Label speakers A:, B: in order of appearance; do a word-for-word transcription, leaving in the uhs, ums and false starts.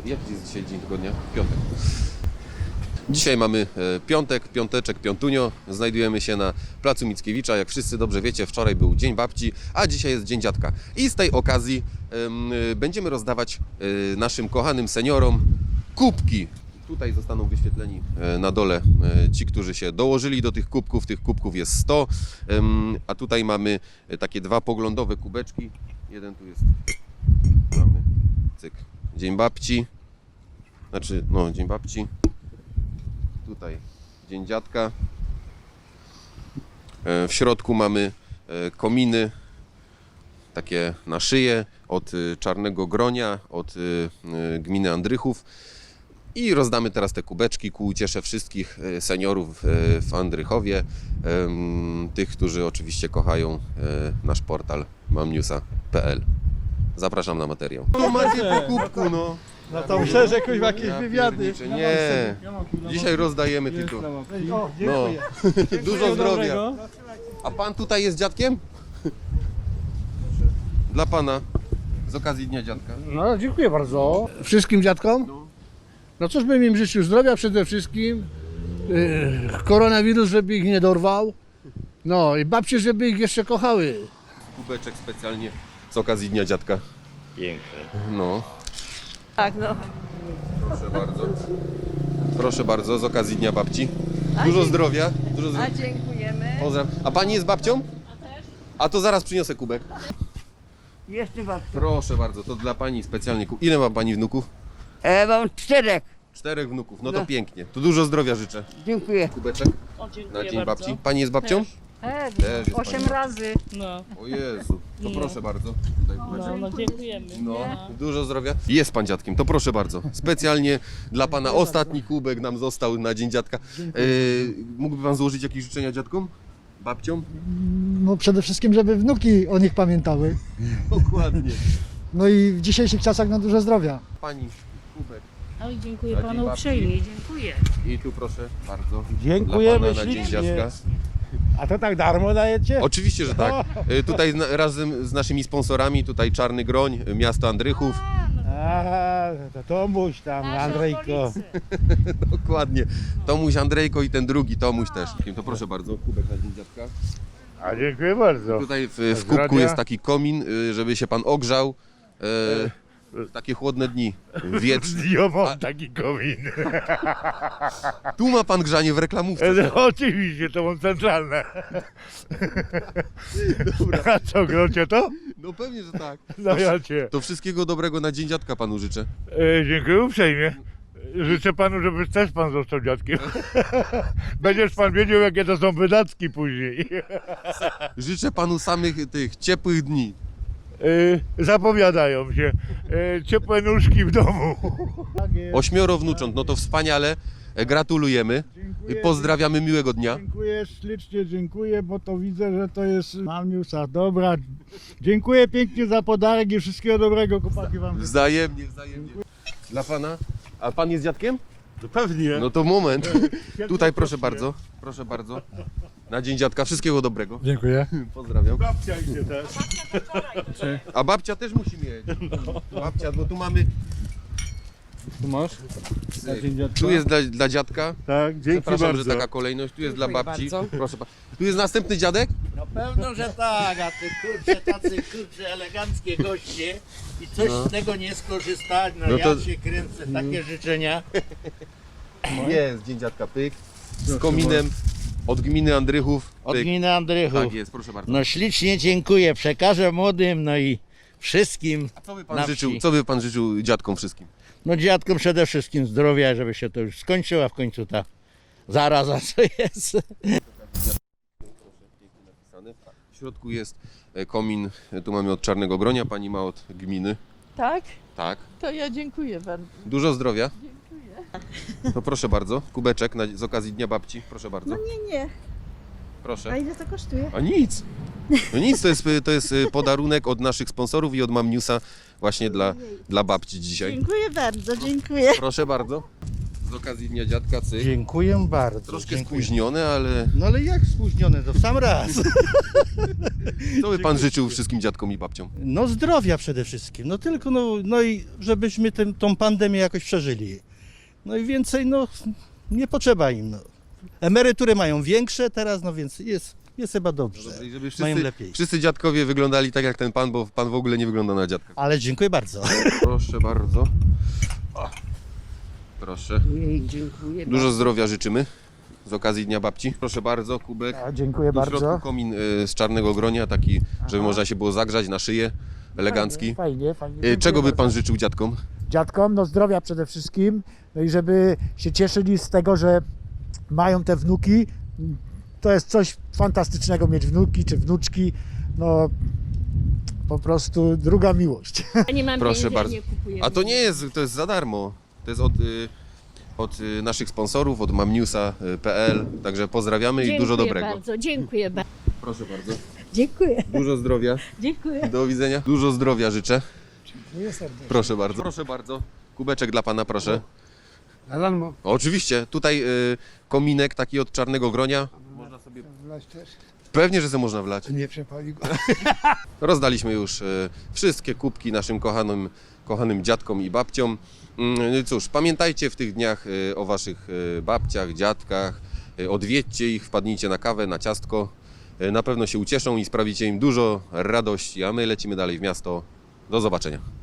A: Jaki jest dzisiaj dzień tygodnia? Piątek. Dzisiaj mamy piątek, piąteczek, piątunio. Znajdujemy się na placu Mickiewicza. Jak wszyscy dobrze wiecie, wczoraj był Dzień Babci, a dzisiaj jest Dzień Dziadka. I z tej okazji um, będziemy rozdawać um, naszym kochanym seniorom kubki. Tutaj zostaną wyświetleni na dole ci, którzy się dołożyli do tych kubków. Tych kubków jest sto, a tutaj mamy takie dwa poglądowe kubeczki. Jeden tu jest, mamy, cyk, Dzień Babci, znaczy, no, Dzień Babci. Tutaj Dzień Dziadka. W środku mamy kominy, takie na szyję, od Czarnego Gronia, od gminy Andrychów. I rozdamy teraz te kubeczki ku uciesze wszystkich seniorów w Andrychowie, tych, którzy oczywiście kochają nasz portal mamnewsa kropka p l. Zapraszam na materiał. No macie po kubku, no.
B: No to myślę, że jakieś jakieś
A: Ja
B: wywiady.
A: pierniczę, nie, dzisiaj rozdajemy tylko.
B: O,
A: No,
B: dziękuję.
A: dużo zdrowia. A pan tutaj jest dziadkiem? Dla pana, z okazji Dnia Dziadka.
C: No, dziękuję bardzo. Wszystkim dziadkom? No cóż bym im życzył, zdrowia przede wszystkim. Yy, koronawirus, żeby ich nie dorwał. No i babcie, żeby ich jeszcze kochały.
A: Kubeczek specjalnie z okazji Dnia Dziadka.
D: Piękne.
A: No,
E: Tak, no.
A: proszę bardzo. Proszę bardzo, z okazji Dnia Babci.
E: A
A: Dużo
E: dzięki-
A: zdrowia. Dużo
E: A
A: zdrowia.
E: dziękujemy.
A: Pozdrawiam. A pani jest babcią? A to zaraz przyniosę kubek.
F: Jeszcze mam.
A: Proszę bardzo, to dla pani specjalnie. ku- Ile ma pani wnuków?
F: E, mam czterech.
A: Czterech wnuków, no to
F: No.
A: pięknie. To dużo zdrowia życzę.
F: Dziękuję.
A: Kubeczek
E: O,
A: na
E: dziękuję
A: Dzień
E: bardzo.
A: Babci. Pani jest babcią?
E: Też,
A: Też jest
E: osiem
A: pani.
E: razy.
G: No,
A: O Jezu, to
G: No.
A: proszę bardzo. Tutaj kubeczek.
G: no, no dziękujemy.
A: No, dużo zdrowia. Jest pan dziadkiem, to proszę bardzo. Specjalnie dla pana ostatni kubek nam został na Dzień Dziadka. E, mógłby pan złożyć jakieś życzenia dziadkom? Babciom?
B: No przede wszystkim, żeby wnuki o nich pamiętały.
A: Dokładnie.
B: No i w dzisiejszych czasach na dużo zdrowia.
A: Pani, kubek.
G: Oj, dziękuję
A: Na Dzień
G: panu
A: Babci.
G: uprzejmie, dziękuję.
A: I tu proszę bardzo.
B: Dziękujemy
A: dla pana na Dzień
B: ślicznie.
A: Dziadka.
B: A to tak darmo dajecie?
A: Oczywiście, że tak. E, Tutaj zna- razem z naszymi sponsorami, tutaj Czarny Groń, miasto Andrychów.
B: A, to Tomuś tam,
G: Nasze
B: Andrzejko.
G: okolice.
A: Dokładnie. Tomuś Andrzejko i ten drugi Tomuś też. To proszę bardzo, kubek na Dzień Dziadka.
B: A dziękuję bardzo.
A: Tutaj w, w kubku
B: Zdrowia.
A: jest taki komin, y, żeby się pan ogrzał. E, takie chłodne dni, wietrz.
B: Ja mam taki komin.
A: Tu ma pan grzanie w reklamówce.
B: No, oczywiście, to mam centralne. A co, grocie to?
A: No pewnie, że tak.
B: No ja cię.
A: To wszystkiego dobrego na Dzień Dziadka panu życzę.
B: E, dziękuję uprzejmie. Życzę panu, żeby też pan został dziadkiem. Będziesz pan wiedział, jakie to są wydatki później.
A: Życzę panu samych tych ciepłych dni.
B: E, zapowiadają się. E, ciepłe nóżki w domu.
A: Ośmioro wnucząt, no to wspaniale. E, Gratulujemy. I pozdrawiamy, miłego dnia.
H: Dziękuję ślicznie, dziękuję, bo to widzę, że to jest mamniewsa. Dobra, dziękuję pięknie za podarek i wszystkiego dobrego, chłopaki wam.
A: Wzajemnie, wzajemnie. Dla pana? A pan jest dziadkiem?
B: No pewnie.
A: No to moment. Tutaj proszę bardzo, proszę bardzo. Na Dzień Dziadka wszystkiego dobrego.
H: Dziękuję.
A: Pozdrawiam.
B: Babcia idzie też.
A: A babcia też musi mieć. Babcia, bo tu mamy.
H: Tu masz?
A: Tu jest dla, dla dziadka.
B: Tak, dzięki
A: Przepraszam,
B: bardzo.
A: że taka kolejność. Tu jest dla
F: Dziękuję
A: babci.
F: bardzo.
A: Proszę pa- Tu jest następny dziadek.
D: No pewno, że tak, a ty kurczę, tacy kurczę eleganckie goście i coś
A: No.
D: z tego nie skorzystać, no,
A: No
D: ja
A: to-
D: się kręcę, takie życzenia.
A: Jest Dzień Dziadka, pyk. Z kominem od gminy Andrychów.
D: Od
A: Pyk.
D: gminy Andrychów.
A: Tak jest, proszę bardzo.
D: No ślicznie dziękuję, przekażę młodym, no i wszystkim,
A: Co by pan
D: na
A: życzył,
D: wsi.
A: co by pan życzył dziadkom wszystkim?
D: no dziadkom przede wszystkim zdrowia, żeby się to już skończyła w końcu ta zaraza, co jest.
A: W środku jest e, komin, e, tu mamy od Czarnego Gronia, pani ma od gminy.
E: Tak?
A: Tak.
E: To ja dziękuję bardzo.
A: Dużo zdrowia. To proszę bardzo, kubeczek na, z okazji Dnia Babci, proszę bardzo.
E: Nie, nie.
A: Proszę.
E: A ile to kosztuje?
A: A nic. No nic, to jest, to jest podarunek od naszych sponsorów i od mamnewsa właśnie dla, dla babci dzisiaj.
E: Dziękuję bardzo, dziękuję.
A: Proszę bardzo. z okazji Dnia Dziadka, cyk.
D: Dziękuję bardzo.
A: Troszkę
D: dziękuję.
A: spóźnione, ale
D: No ale jak spóźnione, to w sam raz.
A: co by pan życzył wszystkim dziadkom i babciom?
D: No zdrowia przede wszystkim, no tylko, no, no i żebyśmy tym, tą pandemię jakoś przeżyli. No i więcej, no nie potrzeba im. No. Emerytury mają większe teraz, no więc jest, jest chyba dobrze.
A: I żeby
D: Mają
A: wszyscy,
D: lepiej.
A: wszyscy dziadkowie wyglądali tak jak ten pan, bo pan w ogóle nie wygląda na dziadka.
D: Ale dziękuję bardzo.
A: Proszę bardzo. O, proszę.
F: Jej, dziękuję
A: Dużo zdrowia życzymy z okazji Dnia Babci. Proszę bardzo, kubek.
H: A, dziękuję
A: W środku
H: bardzo.
A: komin y, z czarnego gronia, taki, żeby można się było zagrzać na szyję, elegancki.
H: Fajnie, fajnie.
A: Y,
H: Dziękuję
A: Czego by
H: bardzo.
A: pan życzył dziadkom?
H: Dziadkom, no zdrowia przede wszystkim, no i żeby się cieszyli z tego, że mają te wnuki. To jest coś fantastycznego mieć wnuki czy wnuczki, no po prostu druga miłość.
G: Ja nie mam
A: Proszę
G: pieniędzy,
A: bardzo.
G: nie kupuję.
A: A to nie jest, to jest za darmo. To jest od, y, od y, naszych sponsorów, od mamnewsa kropka p l. Także pozdrawiamy
G: Dziękuję
A: i dużo dobrego.
G: bardzo, dziękuję bardzo.
A: Proszę bardzo.
E: Dziękuję.
A: Dużo zdrowia.
G: Dziękuję.
A: Do widzenia. Dużo zdrowia życzę. Proszę bardzo. Proszę bardzo. Kubeczek dla pana, proszę.
C: Alan,
A: Oczywiście. Tutaj y, kominek taki od czarnego gronia. Można sobie...
C: wlać też?
A: Pewnie, że se można wlać.
C: Nie przepali go.
A: Rozdaliśmy już e, wszystkie kubki naszym kochanym, kochanym dziadkom i babciom. Mm, Cóż, pamiętajcie w tych dniach e, o waszych e, babciach, dziadkach. E, Odwiedźcie ich, wpadnijcie na kawę, na ciastko. E, Na pewno się ucieszą i sprawicie im dużo radości, a my lecimy dalej w miasto. Do zobaczenia.